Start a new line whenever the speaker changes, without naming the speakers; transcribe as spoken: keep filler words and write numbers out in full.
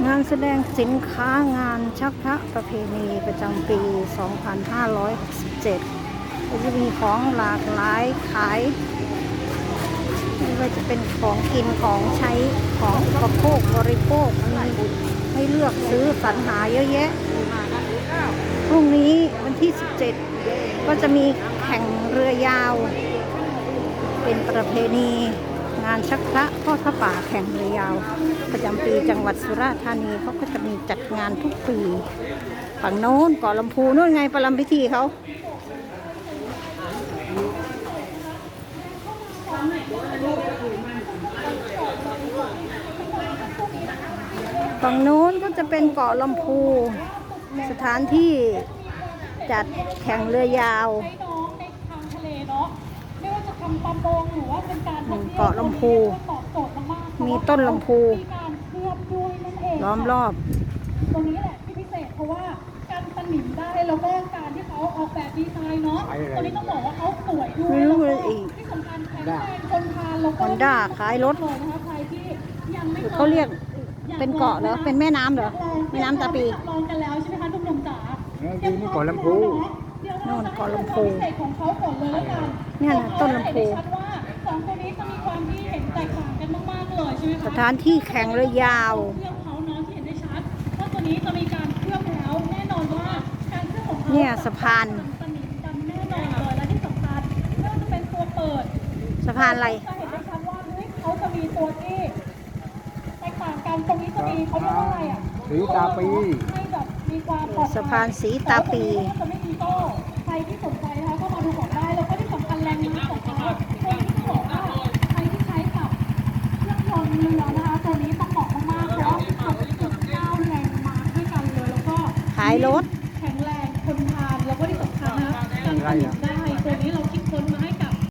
งานแสดงสินค้างานชักพระประเพณีประจำปี สองพันห้าร้อยหกสิบเจ็ด ก็จะมีของหลากหลายขายไม่ว่าจะเป็นของกินของใช้ของอุปโภคบริโภคมีให้เลือกซื้อสรรหาเยอะแยะ พรุ่งนี้วันที่ สิบเจ็ด ก็จะมีแข่งเรือยาว เป็นประเพณีงานชักพระทอดพระป่าแข่งเรือยาว ประจำปีจังหวัดสุราษฎร์ธานีเขาก็จะมีจัดงานทุกปี ฝั่งโน้นเกาะลำพูโน่นไงประลำพิธีเขาฝั่งโน้นก็จะเป็นเกาะลำพูสถานที่จัดแข่งเรือยาวเกาะลำพูมีต้นลำพูล้อมรอบ
ตรงนี้แหละที่พิเศษเพราะว่าการสนิมได้แล้วก็การที่เขาออกแบบดีไซน์เนาะตอนนี้ต้องบอกว่าเขาสวยด้วยแล้วก็ที่สำคัญแข็งแรงทนทานแล้วก็
ฮอนด้าขายรถเขาเรียกเป็นเกาะเหรอเป็นแม่น้ำเหรอแม่น้ำตาปี
ลองกันแล้วใช่ไหมคะทุกหนุ่มจ๋า
นี่นี่เกาะลำพู
โน่นเกาะลำพู
พิเศษของเขาก่อนเลยแล้วกัน
เนี่ยนะต้นลำพู
ชัดว่าสองตัวนี้จะมีความที่เห็นแตกต่างกันมากๆเลยใช่ไหมคะ
สถานที่แข่งเรือยาว
เครื่องเขาเนาะที่เห็นได้ชัดว่าตัวนี้จะมีการเคลือบแล้วแน่นอนว่าการเคลือบของเขา
เนี่ยสะพาน
สนิทกันแน่นอนเลยและที่สำคัญไม่ว่าจะเป็นตัวเปิด
สะพานอะไร
จะเห็นได้ชัดว่าเฮ้ยเขาจะมีตัวที่แตกต่างกันตรงนี้จะมีเขาเรียกว่าอะไรอ่ะ
สีตาปี
ให้แบบมีความปลอดภัย
สะพานสีตาปี
จะไม่มีโซ่ใครที่สนใจนะคะก็มาดูก่อนได้แล้วก็ที่สำคัญแรงม้าของเขาตัวนี้ต้องบอกว่าใครที่ใช้กับเครื่องยนต์เรือนะคะตัวนี้ต้องบอกมากๆเพราะหกจุดเก้าแรงม้าด้วยกันเลยแล้วก็
ขายรถ
แข็งแรงทนทานแล้วก็ที่สำคัญนะการผลิตได้